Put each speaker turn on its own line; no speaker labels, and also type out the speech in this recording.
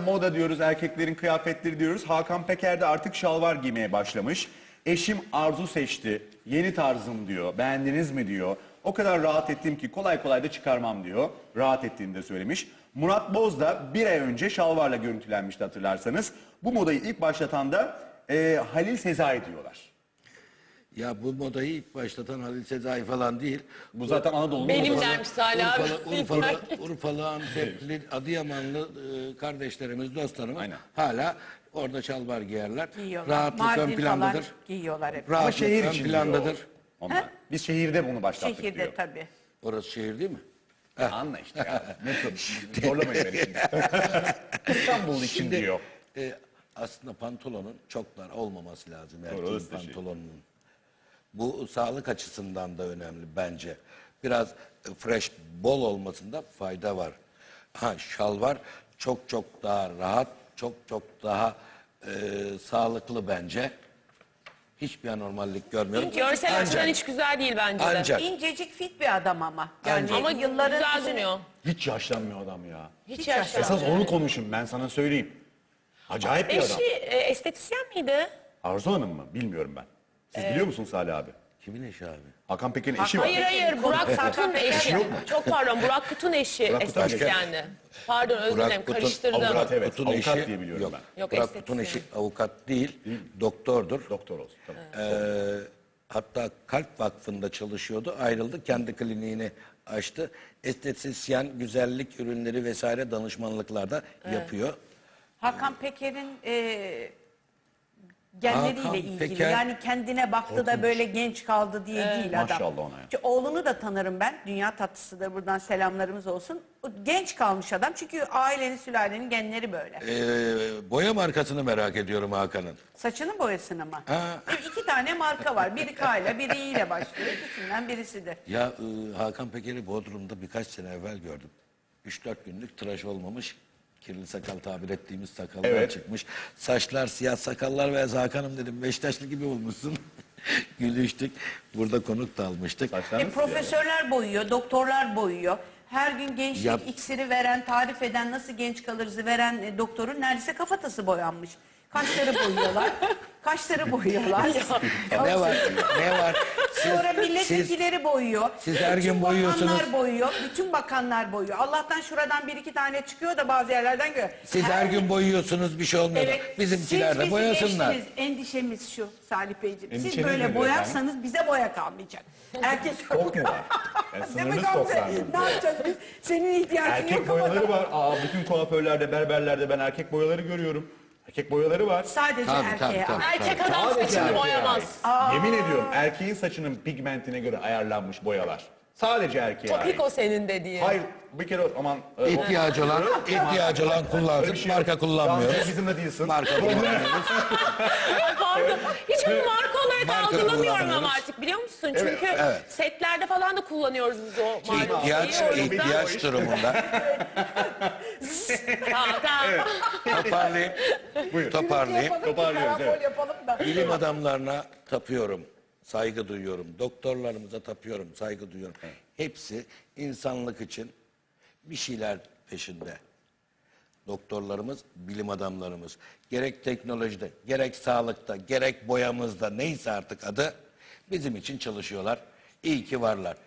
moda diyoruz, erkeklerin kıyafetleri diyoruz. Hakan Peker de artık şalvar giymeye başlamış. Eşim Arzu seçti, yeni tarzım diyor, beğendiniz mi diyor. O kadar rahat ettim ki kolay kolay da çıkarmam diyor. Rahat ettiğini de söylemiş. Murat Boz da bir ay önce şalvarla görüntülenmişti hatırlarsanız. Bu modayı ilk başlatan da Halil Sezai diyorlar.
Ya bu modayı ilk başlatan Halil Sezai falan değil.
Bu zaten Anadolu'nun
Benim
modası.
dermiş Salih abi.
Urfalı, Antepli, Adıyamanlı kardeşlerimiz, dostlarımız
Aynen.
hala orada şalvar giyerler.
Giyiyorlar.
Rahatlık ön
Mardin falan
plandadır.
giyiyorlar hep.
Ama
Rahatlık
şehir
ön
için
plandadır.
diyor onlar. Biz şehirde bunu başlattık
Şehirde
diyor.
tabii.
Orası şehir değil mi?
Anla işte ya. Zorlamayın beni şimdi. İstanbul için diyor.
Aslında pantolonun çok dar olmaması lazım erkeğin
orası da şey.
pantolonunun. Bu sağlık açısından da önemli bence. Biraz fresh, bol olmasında fayda var. Ha, şalvar çok çok daha rahat, çok çok daha sağlıklı bence. Hiçbir anormallik görmüyorum.
Görsel açıdan hiç güzel değil bence de.
Ancak
İncecik fit bir adam ama. Yani
Ama
yılların
güzel
üstüne-
durmuyor.
Hiç yaşlanmıyor adam ya.
Hiç
yaşlanmıyor.
yaşlanmıyor.
Esas onu konuşun ben sana söyleyeyim. Acayip bir adam.
Eşi estetisyen miydi?
Arzu Hanım mı? Bilmiyorum ben. Siz biliyor musunuz Salih abi?
kimin eşi abi?
Hakan Peker'in eşi var.
Hayır Burak Kut'un eşi. Çok pardon Burak Kut'un eşi
Burak Kut'un
estetisyendi. Pardon özür dilerim karıştırdım.
Avukat, evet.
Kut'un
Avukat
eşi-
diye biliyorum
yok,
ben.
Yok,
Burak Kut'un
estetisyen.
eşi avukat değil, doktordur.
Doktor olsun. Tamam.
Hatta Kalp Vakfı'nda çalışıyordu. Ayrıldı. Kendi kliniğini açtı. Estetisyen, güzellik ürünleri vesaire danışmanlıklarda yapıyor.
Hakan Peker'in genleriyle
Hakan
ilgili.
Peker-
Yani kendine baktı da böyle genç kaldı diye değil adam.
Maşallah ona ya.
Çünkü oğlunu da tanırım ben. Dünya tatlısıdır. Buradan selamlarımız olsun. O genç kalmış adam. Çünkü ailenin, sülalenin genleri böyle.
Boya markasını merak ediyorum Hakan'ın.
Saçının boyasını mı?
Ha.
İki tane marka var. Biri K ile biri İ ile başlıyor. İkisinden birisidir.
Ya Hakan Peker'i Bodrum'da birkaç sene evvel gördüm. 3-4 günlük tıraş olmamış. Kirli sakal tabir ettiğimiz sakallar
Evet.
çıkmış. Saçlar, siyah sakallar ve Hakan'ım dedim Beşiktaşlı gibi olmuşsun. Gülüştük. Burada konuk da almıştık.
Saçlarınız
Profesörler boyuyor, doktorlar boyuyor. Her gün gençlik
Yap.
iksiri veren, tarif eden, nasıl genç kalırızı veren doktorun neredeyse kafatası boyanmış. Kaşları boyuyorlar. Kaşları boyuyorlar.
Ne var? Ne var?
Sonra milletvekilleri boyuyor.
siz her gün
Bütün
boyuyorsunuz.
bakanlar boyuyor. Bütün bakanlar boyuyor. Allah'tan şuradan bir iki tane çıkıyor da bazı yerlerden görüyor.
Siz her gün boyuyorsunuz bir şey olmuyor.
Evet.
Bizimkiler
Siz
de
bizi
boyasınlar.
geçtiniz. Endişemiz şu Salih Beyciğim. Siz
Endişeniz
böyle
nedir
boyarsanız bize boya kalmayacak. Erkek
Stok mu var? Yani
Değil mi
sınırlı
Gamze?
stok var.
Ne yapacağız biz? Senin ihtiyacın
Erkek
yok ama.
boyaları var. Bütün kuaförlerde, berberlerde ben erkek boyaları görüyorum. Erkek boyaları var.
Sadece
Tabii,
erkeğe.
tabii.
Erkek adam
Sadece
saçını
erkeğe
boyamaz.
ait. Yemin ediyorum erkeğin saçının pigmentine göre ayarlanmış boyalar. Sadece erkeğe ait.
Topik o senin dediğin.
Hayır bir kere aman...
İhtiyacı olan kullansın.
Öyle bir şey yok.
Marka kullanmıyoruz.
Gamze bizimle değilsin.
Marka kullanmıyoruz.
Pardon. Hiç onu marka olarak
Marka
algılamıyorum ama
kullanıyoruz.
artık biliyor musun? Çünkü
evet.
setlerde falan da kullanıyoruz biz o markayı.
İhtiyaç durumunda.
Tamam.
Toparlayayım. Toparlayayım.
Toparlıyoruz, evet.
Yapalım da.
Bilim adamlarına tapıyorum. Saygı duyuyorum. Doktorlarımıza tapıyorum. Saygı duyuyorum. Hepsi insanlık için bir şeyler peşinde. Doktorlarımız, bilim adamlarımız. Gerek teknolojide, gerek sağlıkta, gerek boyamızda neyse artık adı bizim için çalışıyorlar. İyi ki varlar.